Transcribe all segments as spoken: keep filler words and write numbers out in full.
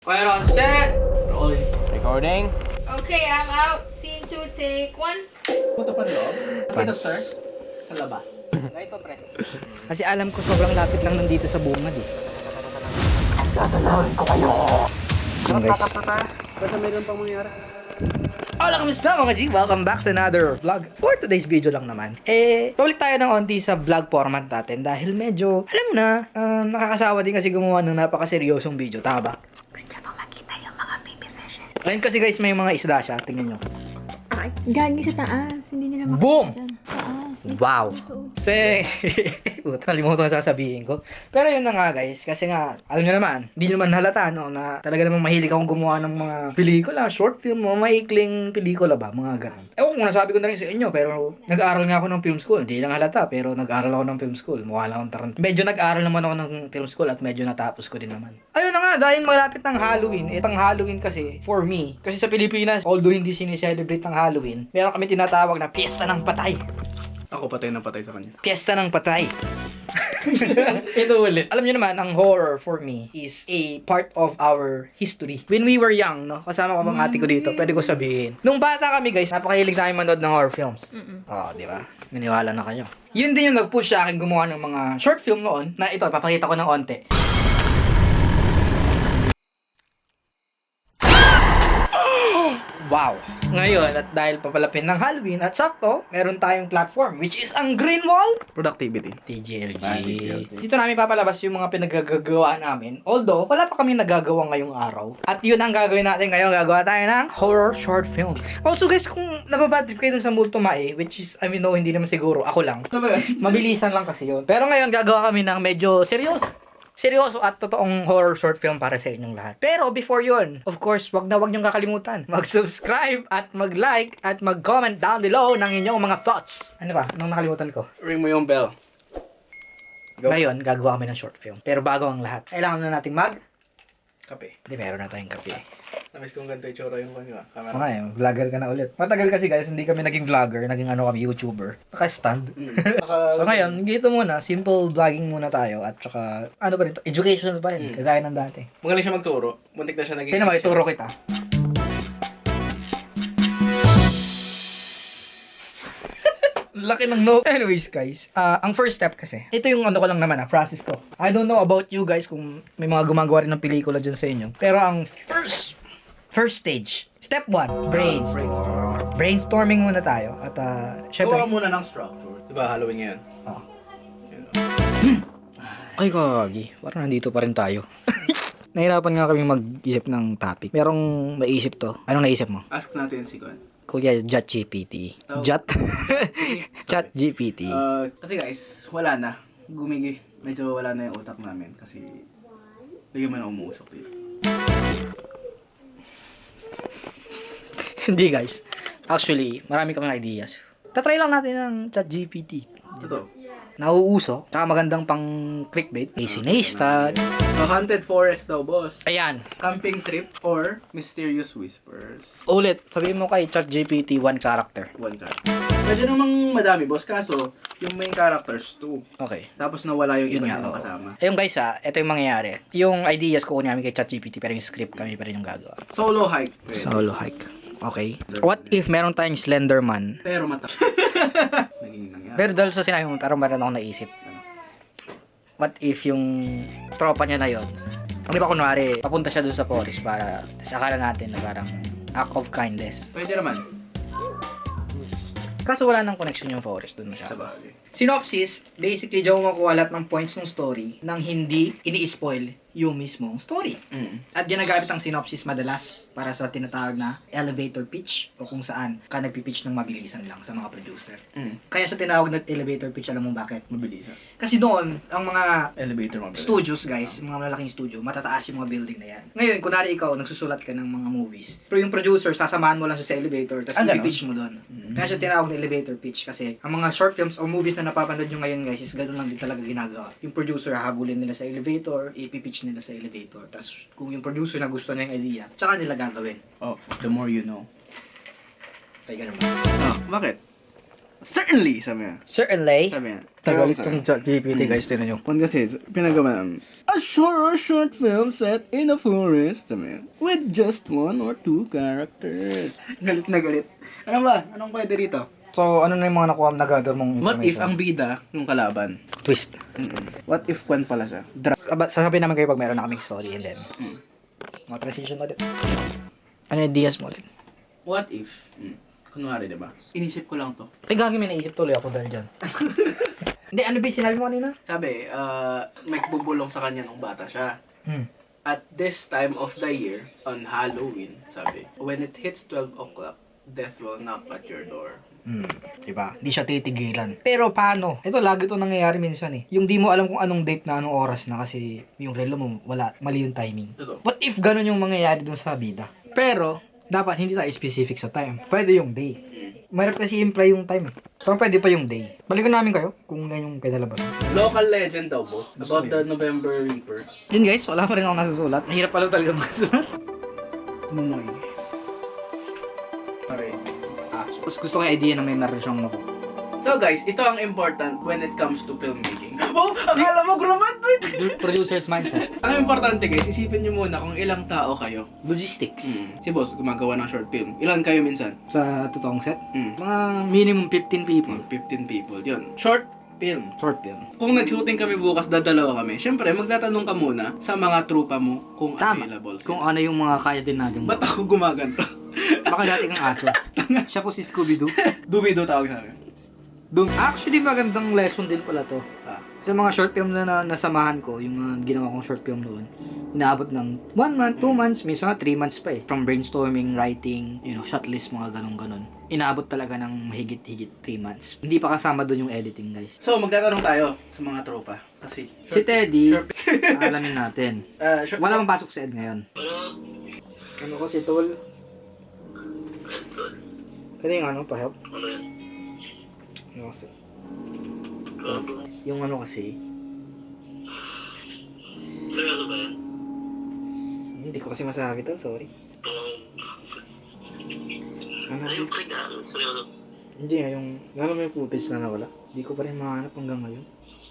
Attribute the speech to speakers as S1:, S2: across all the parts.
S1: Fire on set!
S2: Rolling. Recording.
S3: Okay, I'm out. Scene two, take one.
S1: Puto pa loob? Dito, sir? Sa labas.
S2: Ito, pre. Kasi alam ko sobrang lapit lang nandito sa bungad eh.
S1: Okay, guys. Basta meron pang mangyari.
S2: Hola, kamusta mga G? Welcome back sa another vlog. For today's video lang naman, eh, pabalik tayo ng onti sa vlog format natin dahil medyo, alam mo na, um, nakakasawa din kasi gumawa ng napakaseryosong video, tama ba?
S3: Gusto niya pa makita yung mga baby fishes.
S2: Ngayon kasi guys, may mga isda siya, tingnan nyo.
S3: Ay, gagi sa taas. Hindi nila makita
S2: Boom!
S3: dyan. Taas.
S2: Wow! Say! Puta, nalimutan na sasabihin ko. Pero yun na nga guys, kasi nga, alam nyo naman, hindi nyo naman halata, no, na talaga namang mahilig akong gumawa ng mga pelikula, short film, mga maikling pelikula ba, mga ganun. Ewan kung nasabi ko na rin sa inyo, pero nag-aaral nga ako ng film school. Hindi lang halata, pero nag-aaral ako ng film school. Mukha lang akong tarant. Medyo nag-aaral naman ako ng film school at medyo natapos ko din naman. Ayun na nga, dahil malapit ng Halloween, itang Halloween kasi, for me, kasi sa Pilipinas, although hindi sinicelebrate ng Halloween, meron kami tinatawag na Piyesta ng Patay.
S1: Ako patay na patay sa kanya.
S2: Piyesta ng Patay. Ito ulit. Alam niyo naman, ang horror for me is a part of our history. When we were young, no? Kasama ko bang ate ko dito, pwede ko sabihin. Nung bata kami, guys, napakahilig namin manood ng horror films. Oo, di ba? Naniwala na kayo. Yun din yung nag-push sa akin gumawa ng mga short film noon, na ito, papakita ko ng onte. Wow! Ngayon, at dahil papalapin ng Halloween, at sakto, meron tayong platform, which is ang Green Wall
S1: Productivity.
S2: T G L G.
S1: Ah, T G L G.
S2: Dito namin papalabas yung mga pinagagagawa namin. Although, wala pa kami nagagawa ngayong araw. At yun ang gagawin natin ngayon. Gagawa tayo ng horror short film. Also guys, kung nababadrip kayo dun sa Multo Mae, which is, I mean, no, hindi naman siguro. Ako lang. Mabilisan lang kasi yun. Pero ngayon, gagawa kami ng medyo seryoso. Seryoso at totoong horror short film para sa inyong lahat. Pero before yun, of course, wag na wag niyong kakalimutan. Mag-subscribe at mag-like at mag-comment down below ng inyong mga thoughts. Ano ba? Anong nakalimutan ko?
S1: Ring mo yung bell. Go.
S2: Ngayon, gagawa kami ng short film. Pero bago ang lahat, kailangan na nating mag...
S1: Kape.
S2: Hindi, meron na tayong kape.
S1: Namiss kong ganito yung tsura yung kanya. Camera.
S2: Okay, vlogger ka na ulit. Matagal kasi guys, hindi kami naging vlogger, naging ano kami, YouTuber. Naka-stand.
S1: Mm. Naka-
S2: So ngayon, dito muna, simple vlogging muna tayo. At saka, ano pa rin to? Educational pa rin,
S1: Mm.
S2: kagaya ng dati.
S1: Magaling siya magturo. Muntik na siya naging...
S2: Tingnan mo, ituro kita. Laki ng no. Anyways, guys, uh, ang first step kasi, ito yung ano ko lang naman, ah, process ko. I don't know about you guys kung may mga gumagawa rin ng pelikula dyan sa inyo. Pero ang first, first stage, step one, brainstorm.
S1: Brainstorm.
S2: Brainstorming muna tayo. At uh,
S1: Gawa
S2: syempre,
S1: muna ng structure. Diba, Halloween ngayon?
S2: oh.
S1: Yun.
S2: Ay, kagi. Parang nandito pa rin tayo. Nahirapan nga kami mag-isip ng topic. Merong maisip to. Anong naisip mo?
S1: Ask natin si Kuan.
S2: Kuya, Chat G P T.
S1: Oh.
S2: Chat? Chat G P T.
S1: Uh, kasi guys, wala na. Gumigi. Medyo wala na yung utak namin kasi bigyan mo na umuusok dito.
S2: Hindi guys. Actually, marami kaming ideas. Tatry lang natin ng Chat G P T.
S1: Ito.
S2: Nauuso. Saka magandang pang clickbait. Casey Neistat.
S1: A haunted forest daw, boss.
S2: Ayan.
S1: Camping trip or mysterious whispers.
S2: Ulit. Sabihin mo kay Chat G P T one character.
S1: One time. Medyo namang madami, boss. Kaso, yung main characters, two.
S2: Okay.
S1: Tapos nawala yung
S2: Yun
S1: iba
S2: nga,
S1: nilang
S2: oo.
S1: kasama.
S2: Ayun guys ha, ito yung mangyayari. Yung ideas ko namin kay Chat G P T pero yung script kami pa rin yung gagawa.
S1: Solo hike. Pwede.
S2: Solo hike. Okay. What if meron tayong Slenderman?
S1: Pero mata. Naging nangyari.
S2: Pero dahil sa sinabi mo, pero meron akong naisip. What if yung tropa niya na yun, di ba kunwari, papunta siya dun sa forest para sa akala natin na parang act of kindness.
S1: Pwede naman.
S2: Kaso wala nang connection yung forest dun
S1: Sa
S2: masyado.
S1: bagay.
S2: Synopsis, basically, diyan mo makuha lahat ng points ng story nang hindi ini-spoil yung mismong story.
S1: Mm.
S2: At ginagamit ang synopsis madalas para sa tinatawag na elevator pitch o kung saan ka nagpipitch ng mabilisan lang sa mga producer.
S1: Mm.
S2: Kaya sa tinawag na elevator pitch, alam mo bakit?
S1: Mabilis. ah.
S2: Kasi doon, ang mga
S1: Elevator mabilis.
S2: studios, guys, yung mga malaking studio, matataas yung mga building na yan. Ngayon, kunwari ikaw, nagsusulat ka ng mga movies, pero yung producer, sasamahan mo lang siya sa elevator, tapos
S1: Ah, ganun?
S2: i-pitch mo doon.
S1: Mm.
S2: Kaya siya tinawag na elevator pitch kasi ang mga short films o movies na napapanood nyo ngayon, guys, is ganun lang din talaga ginagawa. Yung producer, hahabulin nila sa elevator, ipipitch nila sa elevator. Tapos, kung yung producer na gusto na yung idea, tsaka nila gagawin.
S1: Oh, the more you know.
S2: Kaya ganun ba?
S1: Ah, bakit? Certainly, sabi niya.
S2: Certainly.
S1: Sabi niya.
S2: Nagalit
S1: Sabi
S2: yung
S1: niya.
S2: chat G P T guys, tinan nyo.
S1: One kasi, pinagawa namin. A short, a short film set in a forest, sabi niya, with just one or two characters. Galit na galit. Ano ba? Anong pwede rito?
S2: So, ano na yung mga nakuha na gather mong
S1: What if
S2: information?
S1: ang bida yung kalaban?
S2: Twist.
S1: Mm-mm. What if kwan pala siya? Dra-
S2: Aba, sasabihin namin kayo pag meron na kaming story and then,
S1: Mm.
S2: mga transition ulit. Ano yung ideas mo ulit?
S1: What if? Mm. Kunwari, diba? Inisip ko lang to.
S2: Ay, gagi, may naisip tuloy ako dahil dyan. Hindi, ano ba yung sinabi mo kanina?
S1: Sabi, uh, may bubulong sa kanya nung bata siya.
S2: Hmm.
S1: At this time of the year, on Halloween, sabi, when it hits twelve o'clock, death will knock at your door.
S2: Hmm. Diba? Hindi siya titigilan. Pero paano? Ito, lagi ito nangyayari minsan eh. Yung di mo alam kung anong date na anong oras na kasi yung relo mo, wala, mali yung timing.
S1: Totoo.
S2: What if ganun yung mangyayari dun sa bida? Pero, dapat hindi tayo specific sa time. Pwede yung day. Mayroon kasi imply yung time eh. Parang pwede pa yung day. Balikan namin kayo kung yan yung kinalabasan.
S1: Local legend daw, boss. About the November Reaper.
S2: Yun guys, wala pa rin ako nasusulat. Mahirap pala talaga magsulat.
S1: Mumoy. Pare. Ah,
S2: Tapos gusto ko yung idea na may meron siyang naku.
S1: so guys, ito ang important when it comes to filmmaking. Oh, akala mo graduate!
S2: Producer's mindset.
S1: Ang importante guys, isipin nyo muna kung ilang tao kayo.
S2: Logistics.
S1: Mm. Si boss, gumagawa ng short film. Ilan kayo minsan?
S2: Sa totoong set,
S1: Mm.
S2: mga minimum fifteen people.
S1: fifteen people. Yun. Short film.
S2: Short film.
S1: Kung nag-shooting kami bukas, dadalawa kami. Siyempre, magtatanong ka muna sa mga trupa mo kung
S2: Tama.
S1: available sila.
S2: Kung ano yung mga kaya din natin.
S1: Ba't ako gumaganto?
S2: Baka dati kang aso. Siya po si Scooby-Doo.
S1: Dubido tawag sa akin.
S2: Doon, actually magandang lesson din pala to.
S1: Ah.
S2: Sa mga short film na, na nasamahan ko, yung uh, ginawa kong short film noon, inaabot ng one month, two months, minsan nga three months pa eh. From brainstorming, writing, you know, shot list, mga ganun-ganun. Inaabot talaga ng mahigit-higit three months. Hindi pa kasama doon yung editing, guys.
S1: So, magtatanong tayo sa mga tropa. Kasi,
S2: Si Teddy,
S1: short,
S2: alamin natin.
S1: uh, short,
S2: Wala bang pasok sa Ed ngayon? Ano kasi, tol? Ano yung ano, pa-help? Ano kasi? Yung ano kasi?
S4: Seryoso ba yan?
S2: Hindi ko kasi masabi to, sorry. Ano?
S4: Ayun pa rin nga, seryoso.
S2: Hindi nga, yung, lalo mo yung footage na nawala. Hindi ko pa rin mahanap hanggang ngayon.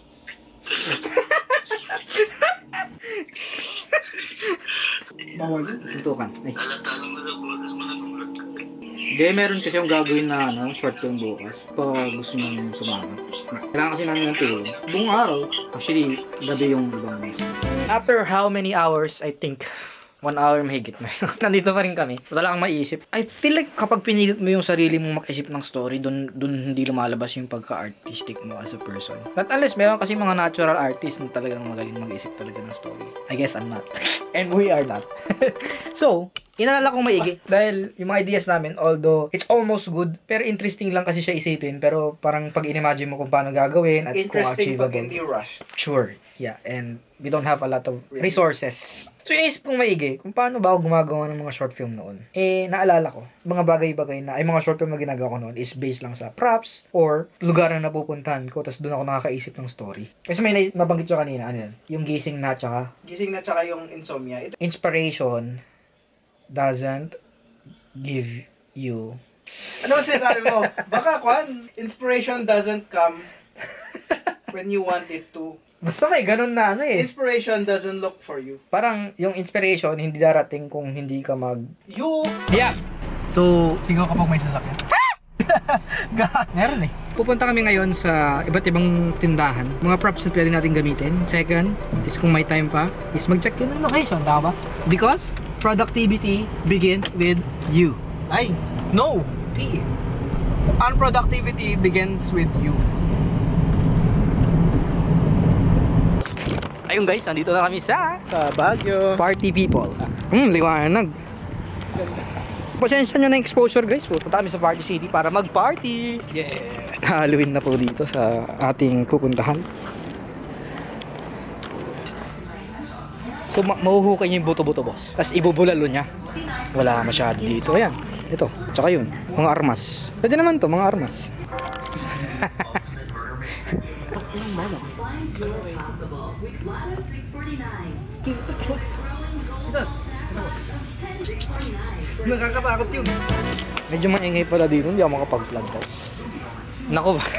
S1: bawal yun.
S2: Tutukan. Ay.
S4: Halata lang mo sa boses mo nagulat ka.
S2: Hindi, meron kasi yung gagawin na ano, short film bukas. Pag gusto nyo sumama. Kailangan kasi namin ng tulong. Buong araw. Actually, gabi yung ibang mes. After how many hours, I think, one hour mahigit na. Nandito pa rin kami. Wala kang maiisip. I feel like kapag pinilit mo yung sarili mong mag-isip ng story, dun, dun hindi lumalabas yung pagka-artistic mo as a person. But unless, meron kasi mga natural artists na talagang magaling mag-isip talaga ng story. I guess I'm not. And we are not. So, inalala kong maigi. Dahil yung mga ideas namin, although it's almost good, pero interesting lang kasi siya isipin. Pero parang pag in-imagine mo kung paano gagawin at kung
S1: Interesting pag
S2: achievable.
S1: hindi rushed.
S2: Sure. Yeah, and we don't have a lot of resources. So, iniisip kong maigi kung paano ba ako gumagawa ng mga short film noon. Eh, naalala ko, mga bagay-bagay na, ay mga short film na ginagawa ko noon is based lang sa props or lugar na napupuntahan ko, tapos doon ako nakakaisip ng story. Kasi may na- nabanggit ko kanina, ano yan? Yung gising na, tsaka
S1: Gising na tsaka yung insomnia. Ito,
S2: inspiration doesn't give you.
S1: ano ba sinasabi mo? Baka kwan, inspiration doesn't come when you want it to.
S2: Basta may ganun na ano eh.
S1: Inspiration doesn't look for you.
S2: Parang yung inspiration hindi darating kung hindi ka mag...
S1: You
S2: Yeah! So, sigaw kapag may sasakyan. Meron eh. Pupunta kami ngayon sa iba't ibang tindahan. Mga props na pwede natin gamitin. Second, is kung may time pa, is mag-check din ng location. Tama ba? Because productivity begins with you.
S1: Ay, no. P. Unproductivity begins with you.
S2: Ayun guys, andito na kami sa
S1: Sa Baguio.
S2: Party People. Hmm, liwanag. Pasensya nyo na yung exposure guys. Pupunta kami sa Party City para mag-party. Yeah! Halloween na po dito sa ating pupuntahan. So, ma mahuhukay niya yung buto-buto boss. Tapos ibubulalo niya. Wala masyado dito. Ayan, ito. Tsaka yun, mga armas. Pwede naman to, mga armas. Nakakatakot yun. Medyo maingay pala dito, hindi ako makapag-vlog guys. Nako ba?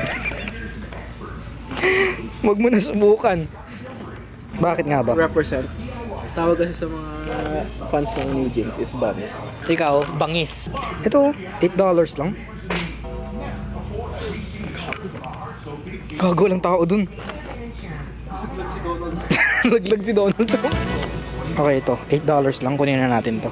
S2: Huwag mo na subukan. Bakit nga ba?
S1: Represent. Tawag kasi sa mga fans ng New Jeans is Bangis.
S2: Ikaw, bangis. Ito, eight dollars lang. Gago lang tao dun. Laglag si Donald to. Okay, ito. eight dollars lang. Kunin na natin to.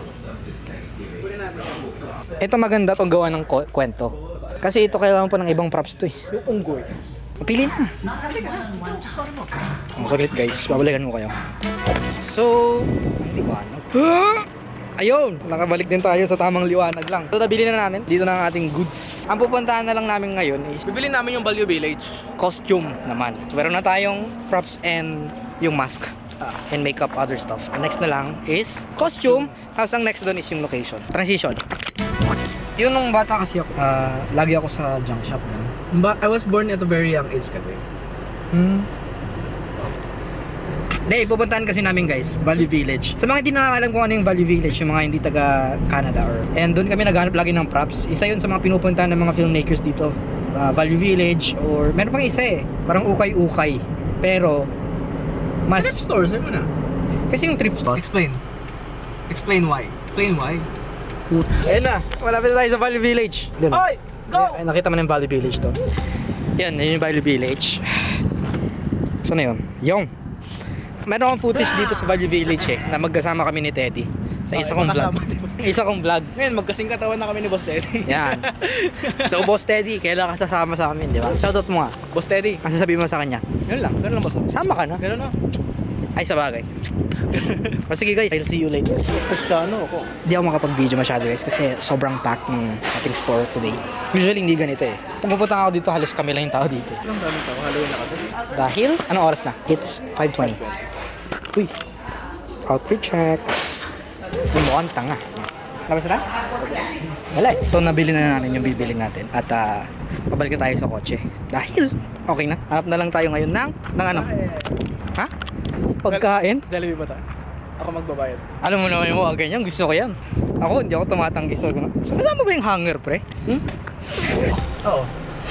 S2: Ito maganda tong gawa ng ko- kwento. Kasi ito kailangan po ng ibang props to eh.
S1: Yung unggoy.
S2: Pili na. Ang saglit guys, babalikan ko kayo. So, ang liwanag. Ayun, nakabalik din tayo sa tamang liwanag lang. So, nabili na namin dito na ang ating goods. Ang pupuntahan na lang namin ngayon is
S1: Bibili namin yung Value Village.
S2: costume naman. So, meron na tayong props and yung mask. Uh, and makeup, other stuff. Ang next na lang is costume. Tapos ang next doon is yung location. Transition. Yun nung bata kasi ako, ah, lagi ako sa junk shop na.
S1: But I was born at a very young age kasi.
S2: Hmm. Hindi, pupuntahan kasi namin guys, Value Village. Sa mga hindi nakakalam kung ano yung Value Village, yung mga hindi taga Canada or... And doon kami naghanap lagi ng props. Isa yun sa mga pinupuntahan ng mga filmmakers dito. Uh, Value Village or... Meron pang isa eh. Parang ukay-ukay. Pero... Mas...
S1: Thrift store, sa'yo mo na.
S2: Kasi yung thrift store...
S1: Explain. Explain why. Explain why.
S2: Ayun na, malapit na tayo sa Value Village. Doon.
S1: Oy! Go!
S2: Ay, nakita mo na yung Value Village to. Yan, yun yung Value Village. Saan na yun? Yung. Meron akong footage dito sa Value Village eh, na magkasama kami ni Teddy. Sa isa kong vlog. Isa kong vlog.
S1: Ngayon, magkasing katawan na kami ni Boss Teddy.
S2: Yan. So, Boss Teddy, kailan ka sasama sa amin, di ba? Shoutout mo nga.
S1: Boss Teddy.
S2: Ang sasabihin mo sa kanya.
S1: Ganun lang. Ganun lang, boss.
S2: Sama ka na.
S1: Ganun na.
S2: Ay, sa bagay. O sige guys, I'll see you later.
S1: Kristyano ako.
S2: Hindi ako makapag-video masyado guys kasi sobrang packed ng ating store today. Usually hindi ganito eh. Kung pupunta ako dito, halos kami lang yung tao dito.
S1: Ilang daming tao. Halloween na kasi.
S2: Dahil, anong oras na? It's five twenty. Uy, outfit check. Yung mukhang tanga. Labas na? Wala eh. So nabili na namin yung bibili natin. At uh, pabalik na tayo sa kotse. Dahil, okay na. Hanap na lang tayo ngayon ng, ng ano? Ha? Pagkain?
S1: Jollibee ba tayo? Ako magbabayad.
S2: Alam mo naman yung mga ganyan, gusto ko yan. Ako, hindi ako tumatanggi sa mga. So, kasama ba yung hanger, pre? Hmm?
S1: Oo.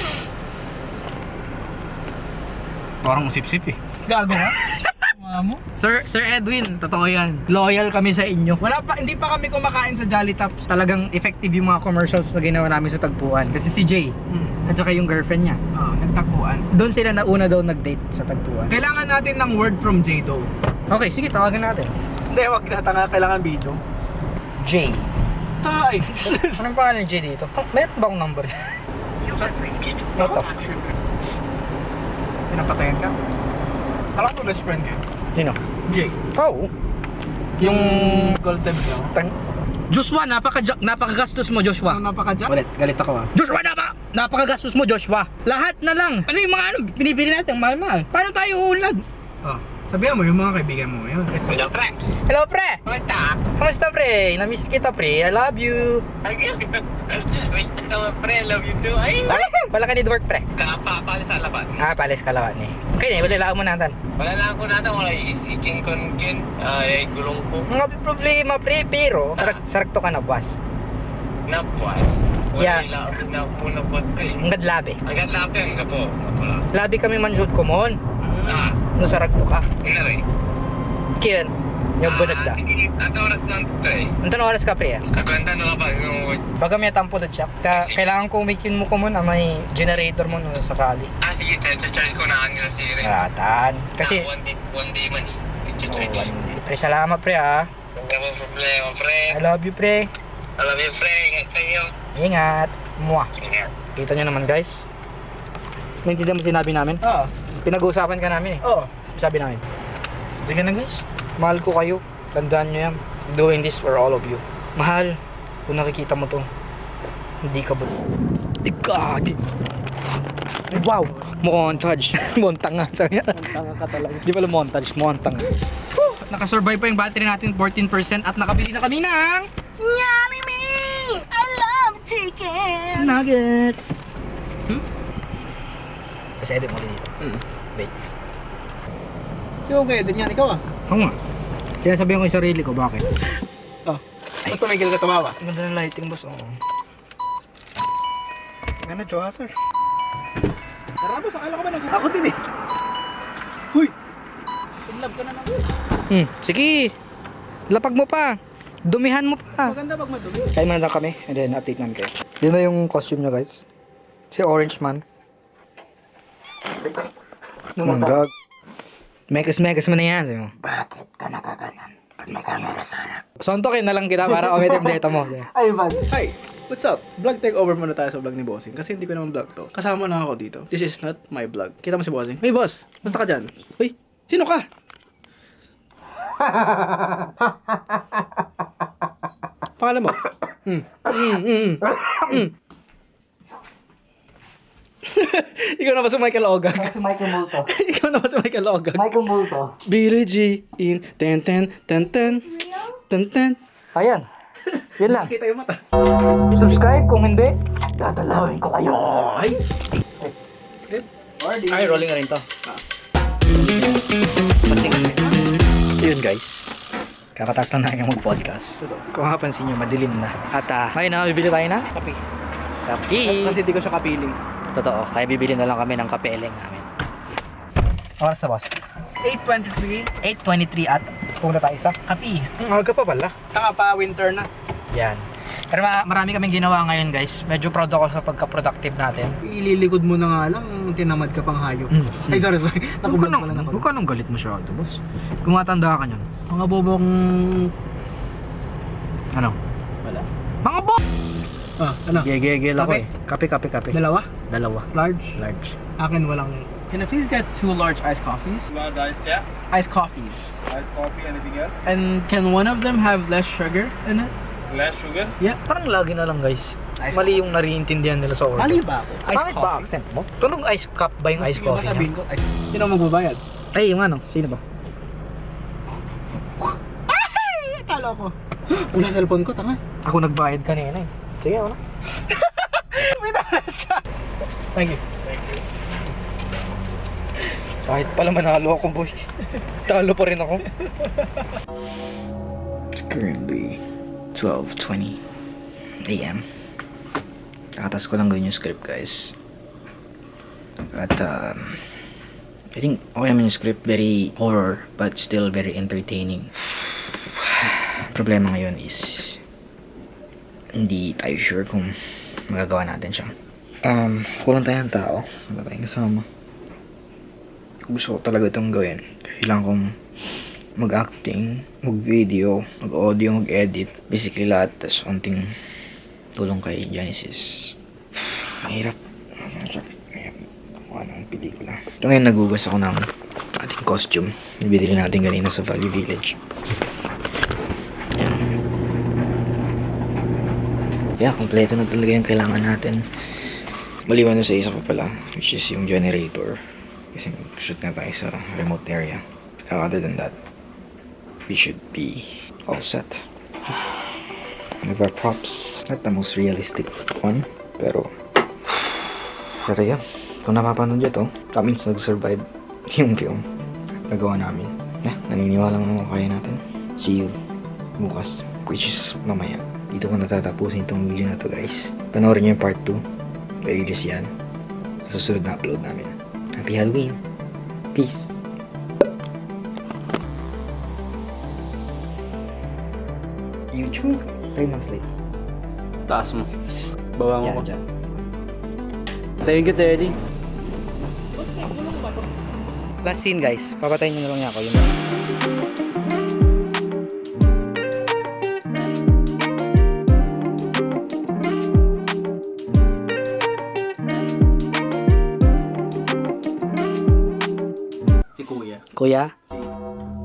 S2: Parang sip-sip eh.
S1: Gago ha? Mamo?
S2: Sir, Sir Edwin, totoo yan. Loyal kami sa inyo.
S1: Wala pa, hindi pa kami kumakain sa Jolly Tops.
S2: Talagang effective yung mga commercials na ginawa namin sa tagpuan. Kasi si Jay,
S1: Hmm.
S2: at saka yung girlfriend niya,
S1: Oo, nagtakbuan.
S2: doon sila nauna daw nag-date sa tagpuan.
S1: Kailangan natin ng word from J-Do.
S2: Okay, sige, tawagan natin.
S1: Hindi, wag na tanga. Kailangan video.
S2: Jay.
S1: Tay!
S2: Anong pangalan ni Jay dito? Oh, meron ba akong number? What the f...
S1: Pinapatayan ka? Alam ko best friend kayo.
S2: Sino?
S1: Jay.
S2: Oo. Yung...
S1: Golden Bell.
S2: Tang... Joshua, napaka napakagastos mo, Joshua.
S1: Ano napaka-jack?
S2: Ulit, galit ako ah. Joshua, napa, napakagastos mo, Joshua. Lahat na lang. Ano yung mga ano, binibili natin, mahal-mahal. Paano tayo uulad?
S1: Oh. Sabihan mo yung mga kaibigan mo ngayon. It's
S4: Hello, pre.
S2: Hello, pre.
S4: Kamusta?
S2: Kamusta, pre? Namiss kita, pre. I love you.
S4: Wish ka naman, pre. Love you too. Ay!
S2: Wala ka need work, pre.
S4: Kapapal sa laban.
S2: Ah, palis ka lawan eh. Okay, wala lang mo natin.
S4: Wala lang ako natin. Wala isiking kon kin. Ay, gulong ko.
S2: Mga problema, pre, pero sarak, sarak to ka na, boss.
S4: Napuas. Wala
S2: Yeah.
S4: lang ako na muna po, pre.
S2: Ang gadlabi.
S4: Agad lapi ang gapo. Mapula.
S2: Labi kami manjud ko mon.
S4: Ah,
S2: No sarak to ka.
S4: ina rin.
S2: Kiyan. Yung bunag da.
S4: At oras lang, pre.
S2: Antan oras ka, pre?
S4: Ako ang tanong ba? Yung...
S2: Baga may tampo na siya. Ka kailangan ko umikin mo ko mon na may generator mo no sakali.
S4: Ah, sige. Charge ko na ang nila si Ren.
S2: Ratan. Kasi
S4: Ah, one day, one day man eh.
S2: oh,
S4: Charge.
S2: one- pre, salamat pre ha.
S4: Wala mo problema, pre.
S2: I love you pre.
S4: I love you, pre. Ingat sa'yo.
S2: Ingat. Mwah.
S4: Ingat.
S2: Kita nyo naman guys. Naintindihan mo sinabi namin?
S1: Oo.
S2: Pinag-uusapan ka namin eh.
S1: Oo.
S2: Sabi namin. Sige na guys. Mahal ko kayo. Tandaan nyo yan. I'm doing this for all of you. Mahal. Kung nakikita mo to. Hindi ka ba? Ikagi. Wow. Montage. Montang nga. Sabi niya.
S1: Tanga ka talaga.
S2: Di pala montage. Montang. Nakasurvive pa yung battery natin. fourteen percent. At nakabili na kami ng Jollibee! I love chicken! Nuggets! Hmm? Kasi edit mo din dito.
S1: Hmm.
S2: Wait.
S1: Si okay, din yan. Ikaw ah.
S2: Oo nga. Sinasabihan ko yung sarili ko, bakit?
S1: Oh. Ay, tumigil ka tumawa.
S2: Ang ganda ng lighting, boss. Oo. Ganda, Joa, sir.
S1: boss, akala ko ba nag- Ako din eh. Huy! Love ka na ng...
S2: Hmm, sige. Lapag mo pa. Dumihan mo pa.
S1: Maganda pag madumi.
S2: Kain muna lang kami and then update namin kayo. Yun na yung costume niya guys. Si Orange Man. Mundag. Mekas-mekas mo na yan. Sabi mo.
S1: Bakit ka nakaganan pag may camera sa harap?
S2: Sontokin na lang kita para umitim data mo.
S1: Ay, man. Hi! What's up? Vlog takeover muna tayo sa vlog ni Bossing kasi hindi ko naman vlog to. Kasama na ako dito. This is not my vlog. Kita mo si Bossing. Hey boss! Basta ka dyan? Uy! Sino ka? Pangalan mo? Hmm. Mm, mm, mm. Ikaw na ba si Michael Ogag?
S2: Si Michael Multo.
S1: Ikaw na ba si Michael Ogag?
S2: Michael Multo.
S1: Billie G in ten ten ten ten ten ten.
S2: Ayan. Yun lang.
S1: Kita yung mata.
S2: Subscribe kung hindi. Dadalawin ko kayo.
S1: Ay! Script? Ay, rolling na rin to.
S2: Masing. Yun guys. Kakataas lang namin mag-podcast. Kung mapapansin nyo, madilim na. At ah, ngayon na, bibili tayo na kape. Kape.
S1: Kasi di ko siya kapiling.
S2: Totoo, kaya bibili na lang kami ng kapeleng namin. Oras na boss.
S1: eight twenty-three.
S2: eight twenty-three at pumunta tayo sa kape.
S1: Ang aga pa pala. Taka pa, winter na.
S2: Yan. Pero ma- marami kaming ginawa ngayon guys. Medyo proud ako sa pagka-productive natin.
S1: Ililikod mo na nga lang, tinamad ka pang hayop.
S2: Mm.
S1: Ay, sorry, sorry.
S2: Huwag ka
S1: Nakublog
S2: nang,
S1: ko lang ako.
S2: huwag ka nang galit masyado boss. Kung matanda ka nyan.
S1: Mga bobong...
S2: Ano?
S1: Wala.
S2: Mga bo...
S1: Ah, ano?
S2: Gegegel ako
S1: Kape?
S2: eh. Kape, kape, kape.
S1: Dalawa?
S2: Dalawa.
S1: Large?
S2: Large.
S1: Akin walang... Can I please get two large iced coffees?
S4: One iced yeah,
S1: Iced coffees.
S4: iced coffee, anything else?
S1: And can one of them have less sugar in it?
S4: Less sugar?
S1: Yeah.
S2: Parang lagi na lang guys.
S1: Ice
S2: Mali yung nariintindihan nila sa order.
S1: Mali ba ako? Iced
S2: Bakit ba
S1: coffee?
S2: accent mo? Tulong ice cup ba yung ice
S1: Sige,
S2: coffee
S1: sabihin
S2: niya?
S1: ko. Ay, sino magbabayad?
S2: Ay, yung ano? Sino ba?
S1: Ay, akala ko. Wala cellphone ko, tanga.
S2: Ako nagbayad kanina eh. Sige, ano?
S1: May dala siya. Thank you.
S2: Kahit pala manalo ako boy. Talo pa rin ako. It's currently twelve twenty a m Nakatas ko lang gawin yung script guys. At um, I think okay naman yung script. Very horror but still very entertaining. Problema ngayon is hindi tayo sure kung magagawa natin siya. Um, kulang tayo ng tao. Wala tayong kasama. Gusto ko talaga itong gawin. Kailangan kong mag-acting, mag-video, mag-audio, mag-edit. Basically lahat. Tapos onting tulong kay Genesis. Mahirap. Mahirap. Kung ano ang pelikula. Ito ngayon nagugas ako ng ating costume. Nabili natin kanina sa Valley Village. Yan. Yeah, kompleto na talaga yung kailangan natin. Maliwan na sa isa pa pala, which is yung generator. Kasi mag-shoot na tayo sa remote area. Uh, other than that, we should be all set. With our props, not the most realistic one, pero pero yun, kung napapanood nyo to, that means nag-survive yung film nagawa namin. Yeah, naniniwala naman kaya natin. See you bukas, which is mamaya. Dito ko natatapusin itong video na to guys. Panoorin nyo yung part two. Very just yan. Sa susunod na upload namin. Happy Halloween. Peace. YouTube. Three months late.
S1: Taas mo. Bawang
S2: Yan,
S1: ko.
S2: dyan.
S1: Thank you, Teddy.
S2: Last scene guys. Papatayin nyo na lang niya ako. Yun lang.
S1: Si Kuya.
S2: Kuya,